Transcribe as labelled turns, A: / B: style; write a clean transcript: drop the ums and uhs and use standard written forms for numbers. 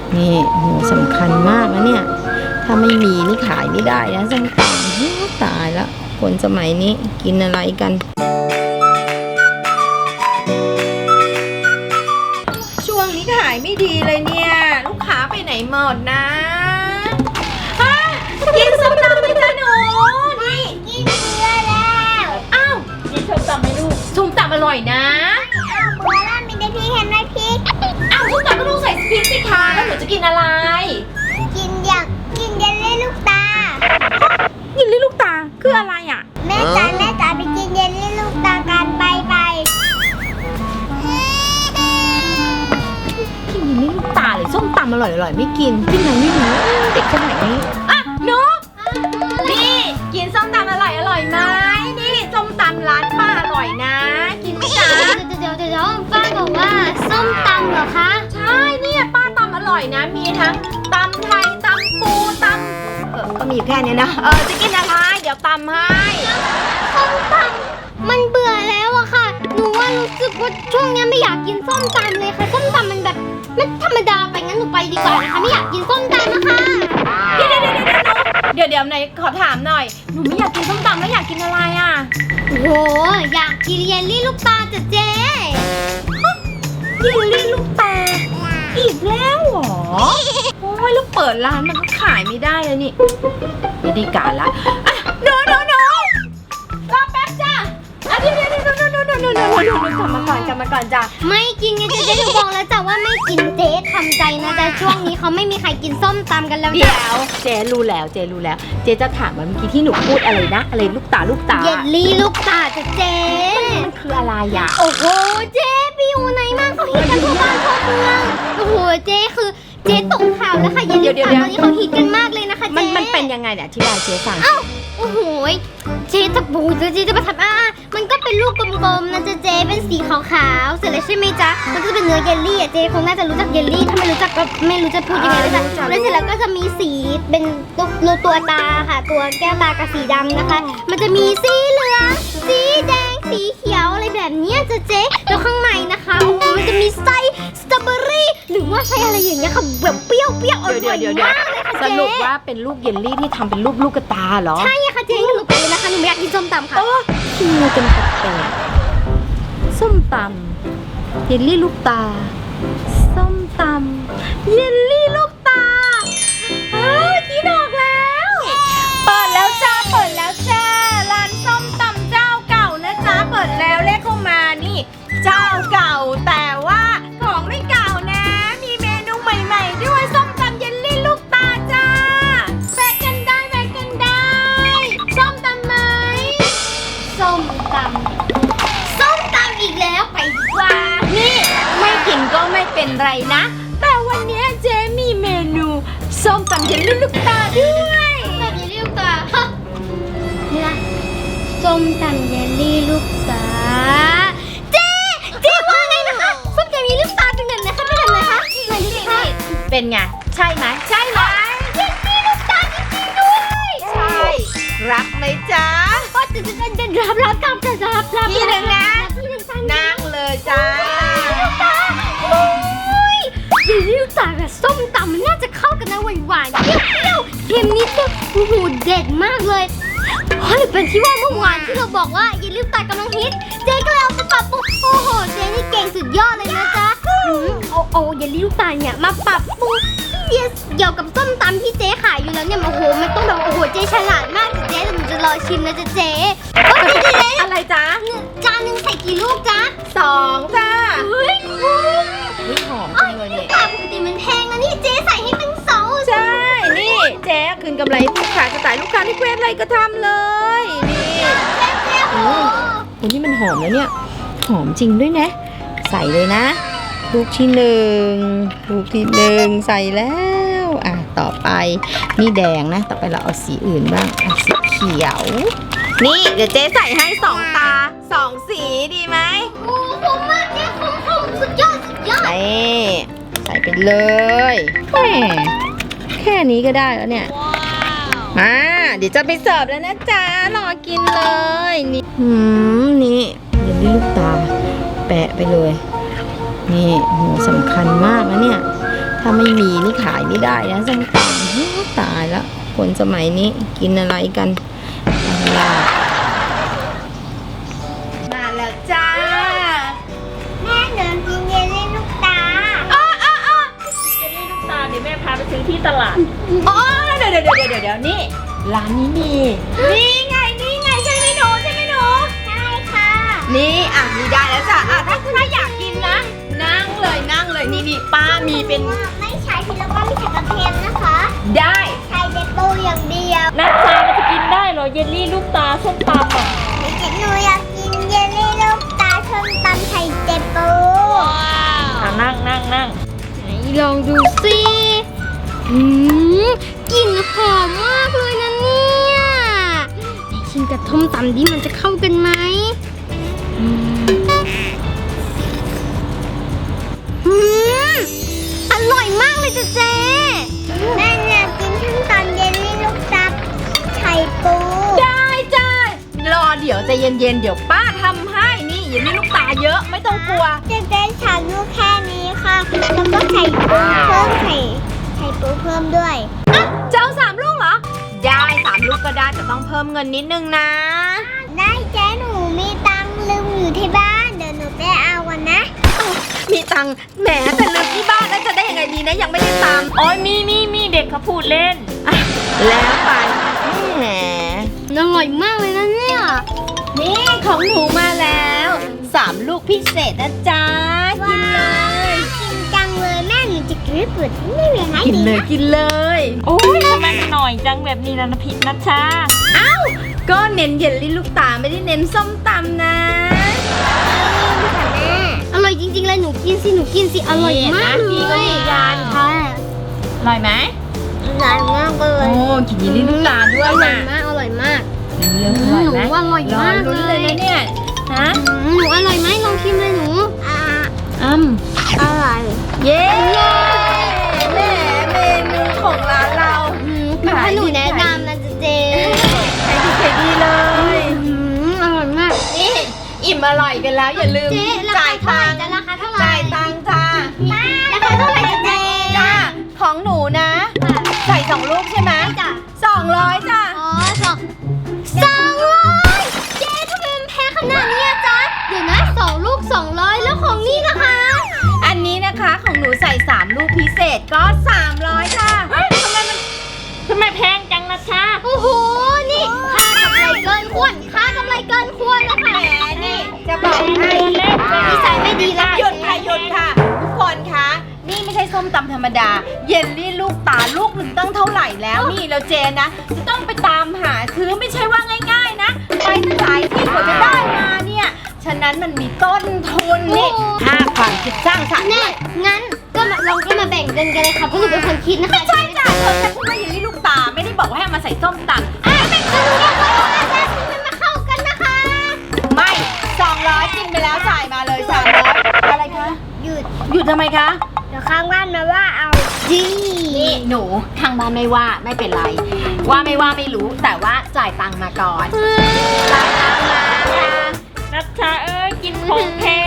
A: นี่โหสำคัญมากนะเนี่ยถ้าไม่มีนี่ขายไม่ได้นะส้มตำตายละคนสมัยนี้กินอะไรกันช่วงนี้ขายไม่ดีเลยเนี่ยลูกค้าไปไหนหมดนะกินส้มตำไหมจ๊ะหนูนี่
B: กินเบื่อแล้ว
A: อ้าวกินส้มตำไหมลูกส้มตำอร่อยนะ
B: เบื่อแล้วมีแต่พี่เห็นไหมพริก
A: อ้าวส้มตำก็ต้องใส่พริกสิคะแล้วหนูจะกินอะไร
B: อยากกินเยลลี่ลูกตา
A: เยลลี่ลูกตาคืออะไรอ่ะ
B: แม่จ๋าไปกินเยลลี่ลูกตากันไป
A: กินเยลลี่ลูกตาเลยส้มตำอร่อยไม่กินกินอะไรไม่รู้เด็กสมัยนี้อ่ะหนูนี่กินส้มตำอร่อยไหมนี่ส้มตำร้านป้าอร่อยนะกินไหมจ๊ะ
B: เดี๋ยวป้าบอกว่าส้มตำเหรอคะ
A: ใช่เนี่ยป้าตำอร่อยนะมีทั้งตำไทยตำปูตำก็มีแค่นี้นะจะกินอะไรเดี๋ยวตำให้
B: ส้มตำมันเบื่อแล้วอะค่ะหนูว่ารู้สึกว่าช่วงนี้ไม่อยากกินส้มตำเลยค่ะส้มตำมันแบบไม่ธรรมดาไปงั้นหนูไปดีกว่านะคะไม่อยากกินส้มตำนะคะ
A: เดี๋ยวไหนขอถามหน่อยหนูไม่อยากกินส้มตำแล้วอยากกินอะไรอ่ะ
B: โอ้โหอยากกินเยลลี่ลูกตาจ้ะเจ๊
A: เยลลี่ลูกตาอีกแล้วเหรอโอ้ยแล้วเปิดร้านมันก็ขายไม่ได้แล้วนี่ไม่ได้การละอ่ะหนูรอแป๊บจ้ะเดี๋ยวกลับมาก่อนจ้ะ
B: ไม่กินไงเจ๊หนูบอกแล้วจ้ะว่าไม่กินเจ๊ทำใจนะแต่ช่วงนี้เขาไม่มีใครกินส้มตำกันแล้ว
A: เดี๋ยวเจ๊รู้แล้วเจ๊จะถามว่าเมื่อกี้ที่หนูพูดอะไรนะอะไรลูกตา
B: เยลลี่ลูกตาจ้ะเจ๊
A: มันคืออะไรอ่ะ
B: โอ้โหเจ๊ไปอยู่ไหนมากเขาฮิตกันทั่วบ้านทั่วเมืองโอ้โหเจ๊คือเจ๊ตกข่าวแล้วค่ะเยลลี่ลูกตาตอนนี้เขาฮิตกันมากเลยนะคะเจ๊
A: มันเป็นยังไงเนี่ยอธิบายเจ๊ฟัง
B: โอ้โหเจ๊จะบูเจ๊จะมาทำมันก็เป็นลูกกลมๆนะเจ๊เป็นสีขาวๆเสร็จแล้วใช่ไหมจ๊ะมันก็จะเป็นเนื้อเยลลี่เจ๊คงน่าจะรู้จักเยลลี่ถ้าไม่รู้จักก็ไม่รู้จะพูดยังไงเลยจ้ะแล้วเสร็จแล้วก็จะมีสีเป็นตัวตาค่ะตัวแก้วตากับสีดำนะคะมันจะมีสีเหลืองสีแดงสีเขียวอะไรแบบนี้เจ๊แล้วข้างในนะคะโอ้โหมันจะมีไส้สตรอเบอรี่หรือว่าไส้อะไรอย่างเงี้ยค่ะแบบเปรี้ยวอร่อยมากเลยค่ะเจ๊
A: สรุปว่าเป็นลูกเยลลี่ที่ทำเป็นรูปลูกตาเหรอ
B: ใช่ค่ะเจ๊หนูไปเลยนะคะหนูไม่อยากกินส้มตำค่ะ
A: กินมาเป็นแปลกๆส้มตำเยลลี่ลูกตาส้มตำเยลลี่ลูกตากินออกแล้วเปิดแล้วจ้าร้านส้มตำเจ้าเก่านะจ้าเปิดแล้วเลขเข้ามานี่เจ้าเก่าแต่ว่าของไม่เก่านะมีเมนูใหม่ๆด้วยส้มตำเยลลี่ลูกตาจ้าแวะกันได้ส้มตำไหม
B: ส้มตำอีกแล้วไปดีกว่า
A: นี่ไม่กินก็ไม่เป็นไรนะแต่วันนี้เจ๊มีเมนูส้มตำเยลลี่ลูกตาด้วย
B: แบบเยลลี่ลูกตานี่นะส้มตำเยลลี่ลูกตาเจ๊ว่าไงนะคะส้มตำเยลลี่ลูกตาเป็นแบบไหนคะเป็นแบบไหนคะไหนดูสิคะ
A: เป็นไงใช่ไหม
B: เยลลี่ลูกตาจริงๆด้วย
A: ใช่รับไหมจ๊ะ
B: ก็จะรับกับจะรับ
A: พี่หนึ่งนะนั่งเลยจ้า
B: โอ้ยเยลลี่ลูกตากับส้มตำมันน่าจะเข้ากันนะหวานๆเปรี้ยวเค็มนิดนึงโอ้โหเด็ดมากเลยหรือเป็นที่ว่าเมื่อวานที่เราบอกว่าเยลลี่ลูกตากำลังฮิตเจ๊ก็เลยเอาไปปรับปรุงโอ้โหเจ๊นี่เก่งสุดยอดเลยนะจ๊ะเอาเยลลี่ลูกตาเนี่ยมาปรับปรุงเกี่ยวกับส้มตำที่เจ๊ขายอยู่แล้วเนี่ยโอ้โหมันต้องแบบโอ้โหเจ๊ฉลาดมากเจ๊หนูจะรอชิมนะจ๊ะเจ๊
A: อะไรจ๊ะ
B: จานนึงใส่กี่ลูกจ๊ะ
A: 2จ้า
B: เฮ้ย
A: หอมจังเลยเนี่ย
B: ปกติมันแพงนะนี่เจ๊ใส่ให้เป็น2
A: ใช่นี่เจ๊คืนกำไรลูกค้าจะจ่ายลูกค้าที่เควสอะไรก็ทำเลยนี่โอ้นี่มันหอมแล้วเนี่ยหอมจริงด้วยนะใส่เลยนะลูกที่1ใส่แล้วต่อไปนี่แดงนะต่อไปเราเอาสีอื่นบ้างเอาสีเขียวนี่เดี๋ยวเจ๊ใส่ให้2ตา2สีดีไหม
B: โอ้ผมมากเจ๊ผมสุดยอด
A: ใส่ไปเลยแค่นี้ก็ได้แล้วเนี่ยมาเดี๋ยวจะไปเสิร์ฟแล้วนะจ๊ะรอกินเลยนี่นี่เยลลี่ลูกตาแปะไปเลยนี่โหสำคัญมากนะเนี่ยถถ้าไม่มีนี่ขายไม่ได้นะส้มตำโอ้ตายละคนสมัยนี้กินอะไรกันยากมาแล้วจ้า
B: แม่หนูกินเยลลี่ลูกตา
C: เจลลี่ลูกตาเดี๋ยวแม่พาไปซื้อที่ตลาด
A: อ๋อเดี๋ยวนี่ร้านนี้มีนี่ไงใช่ไหมหนูใช่ไหมหนู
B: ใช่ค่ะ
A: นี่มีได้แล้วจ้ะถ้าอยากกินนะ นั่งเลยนี่ป้ามีเป็น
B: ไม่ใช้พริกแล้วก็ไม่ใช้กระเทียมนะคะ
A: ได้
B: ใช้เด็ดปูอย่างเดียว
C: นัดจามันจะกินได้เหรอเยลลี่ลูกตาส้มตำอ่ะ
B: หนูอยากกินเยลลี่ลูกตาส้มตำไข่เด็ดปู
C: นั่ง
B: ไหนลองดูสิกลิ่นหอมมากเลยนะเนี่ยชิมกับส้มตำดิมันจะเข้ากันไหมอร่อยมากเลยเจ๊แม่อยากกินส้มตำเยลลี่ลูกตาไข่ปู
A: ได้จ้ารอเดี๋ยวใจเย็นเดี๋ยวป้าทำให้นี่อย่ามีลูกตาเยอะไม่ต้องกลัว
B: จะได้ชามลูกแค่นี้ค่ะ แล้วก็ไข่ปูเพิ่มไข่ปูเพิ่มด้วย
A: เจ้า3 ลูกเหรอได้3 ลูกก็ได้แต่ต้องเพิ่มเงินนิดนึงนะ
B: ได้เจ๊หนูมีตังค์ลืมอยู่ที่บ้านเดี๋ยวหนูไปเอากันนะ
A: มีตังค์แหมแต่ลืมที่บ้านแล้วจะได้ยังไงดีนะยังไม่ได้ตาม
C: โอ้ยมีเด็กเขาพูดเล่น
A: แล้วไปแหม
B: อร่อยมากเลยนะเนี่ย
A: นี่ของหนูมาแล้ว3 ลูกพิเศษนะจ๊ะกินเลย
B: กินจังเลยแม่หนูจะกรึบดไม่เป็นไร
A: กินเลยกินเลย
C: โอ้ยทำไมมันหน่อยจังแบบนี้นะผิดนัชชา
A: ก็เน้นเยลลี่ลูกตาไม่ได้เน้นส้มตำนะ
B: อร่อยจริงๆเลยหนูกินสิอร่อยมากเลย
C: พี่ก็ยืนยัน
B: ค่ะ
C: อร่อยไหม
B: อร่อยมากเลย
A: โอ้กินเยลลี่ลูกตาด้วย
B: อร่อย
A: นะ
B: มากอร่อยมาก
A: เรื่องอร่อยไหม
B: หนูว่าอร่อยมาก
A: ลุ้นเลยนะเนี่ยฮะ
B: หนูอร่อยไหมลองชิมเลยหนู
A: อ้ำ
B: อร่อย
A: เย้แหมเมนูของร้านเรา
B: ถ้าหนูแนะนำนะเจ๊
A: ขายดีเลย
B: อร่อยมาก
A: นี่อิ่มอร่อยกันแล้วอย่าลืม
B: เจ๊รา
A: จ่า
B: คาย เท่าไหร่
A: ตังค์
B: จะราคาเท่าไหร่
A: จ่ายตังค์จ้า
B: ราคาเท่าไหร่จะเจ๊
A: จ้าของหนูนะ ใส่2 ลูกใช่ไหม
B: จ้ะ
A: 200จ้า
B: อ๋อ200เจ๊ทำไมมันแพงขนาดนี้อะจ๊ะเดี๋ยวนะ2 ลูก 200 แล้วของนี่นะคะ
A: อันนี้นะคะของหนูใส่3 ลูกพิเศษก็300จ้า
C: ทำไมแพงจังนัชชา
B: โอ้โห นี่ค่ากำไรเกินควรค่ากำไรเกินควรแล้วค่ะ
A: แหมนี่จะบอกให้
B: นิสัยไม่ดีแล้ว
A: หยุดค่ะทุกคนคะนี่ไม่ใช่ส้มตำธรรมดา เยลลี่ลูกตาลูกหนึ่งตั้งเท่าไหร่แล้วนี่แล้วเจนนะจะต้องไปตามหาซื้อไม่ใช่ว่าง่ายๆนะไปตั้งหลายที่กว่าจะได้มาเนี่ยฉะนั้นมันมีต้นทุนนี่ค่าความคิดสร้างสรรค์
B: แน่งั้นก็ลองก็มาแบ่งกันเลยค่ะเพราะหนูเป็นคนคิดนะคะ
A: ไม่ใช่จ้ะเธอแค่พูดว่าเยลลี่ลูกตาไม่ได้บอกว่าให้เอามาใส่ส้มตำ
B: เป็นคนเรียกว่าอาจารย์มันมาเข้ากันนะคะ
A: ไม่200กินไปแล้วจ่ายมาเลย300อะไรคะ
B: หยุด
A: หยุดทำไมคะ
B: เดี๋ยวข้างบ้านมาว่าเอาจี
A: นี่หนูทางบ้านไม่ว่าไม่เป็นไร ว่าไม่รู้แต่ว่าจ่ายตังค์มาก่อนจ่ายตังค์มาค่ะ
C: นัชชาเอ้ยกินของแพง